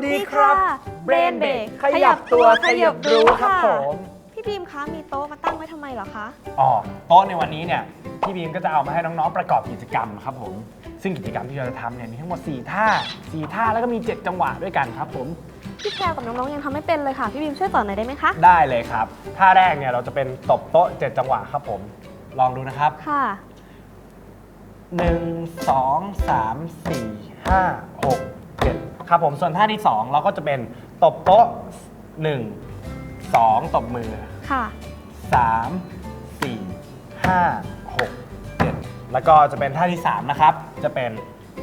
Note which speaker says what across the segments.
Speaker 1: ดีครับ
Speaker 2: Brain Break
Speaker 1: ขยับตัวขยับรู้ครับผม
Speaker 2: พี่บีมคะมีโต๊ะมาตั้งไว้ทำไมเหรอคะ
Speaker 1: โต๊ะในวันนี้เนี่ยพี่บีมก็จะเอามาให้น้องๆประกอบกิจกรรมครับผมซึ่งกิจกรรมที่เราจะทำเนี่ยมีทั้งหมด4ท่าแล้วก็มี7จังหวะด้วยกันครับผม
Speaker 2: พี่แพรกับน้องๆยังทำไม่เป็นเลยค่ะพี่บีมช่วยสอนหน่อยได้ไหมคะ
Speaker 1: ได้เลยครับท่าแรกเนี่ยเราจะเป็นตบโต๊ะ7จังหวะครับผมลองดูนะครับ
Speaker 2: ค่ะ
Speaker 1: 1 2 3 4 5 6 7ครับผมส่วนท่าที่2เราก็จะเป็นตบโต๊ะ1 2ตบมือ
Speaker 2: ค่ะ
Speaker 1: 3 4 5 6 7แล้วก็จะเป็นท่าที่3นะครับจะเป็น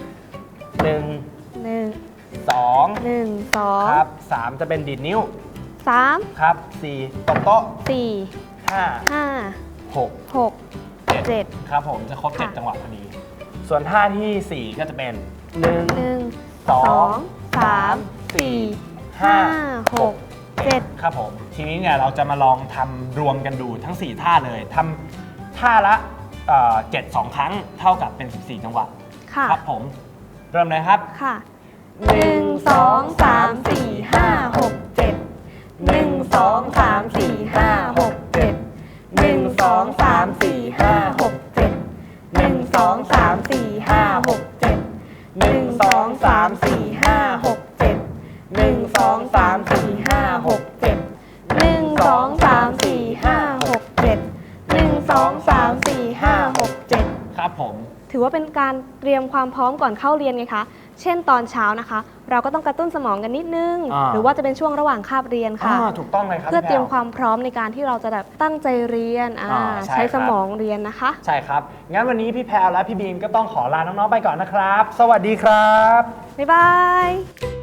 Speaker 1: 1 2ครับ3จะเป็นดีดนิ้ว
Speaker 2: 3
Speaker 1: ครับ4ตบโต๊ะ
Speaker 2: 4
Speaker 1: 5 6 7ครับผมจะครบ7จังหวะพอดีส่วนท่าที่4ก็จะเป็น1 2 3 4 5 6 7ครับผมทีนี้เนี่ยเราจะมาลองทำรวมกันดูทั้ง4ท่าเลยทำท่าละ7 2 ครั้งเท่ากับเป็น14จังหวะครับผมเริ่มเลยครับ
Speaker 2: ค่ะ1 2 3 4 5 6 7 1 2 3 4 5 6 7 1 2 3 4 5 6 7 1 2 3 4 5 6 7 1 2 3 4 5 6 7 1 2 3 4 5 6 7 1 2 3 4 5 6 7 1 2 3 4 5 6 7
Speaker 1: ครับผม
Speaker 2: ถือว่าเป็นการเตรียมความพร้อมก่อนเข้าเรียนไงคะเช่นตอนเช้านะคะเราก็ต้องกระตุ้นสมองกันนิดนึงหรือว่าจะเป็นช่วงระหว่างคาบเรียนค่ะ
Speaker 1: ถูกต้องเลยครับ
Speaker 2: เพื่อเตรียมความพร้อมในการที่เราจะแบบตั้งใจเรียนใช้สมองเรียนนะคะ
Speaker 1: ใช่ครับงั้นวันนี้พี่แพรและพี่บีมก็ต้องขอลาน้องๆไปก่อนนะครับสวัสดีครับ
Speaker 2: บ๊ายบาย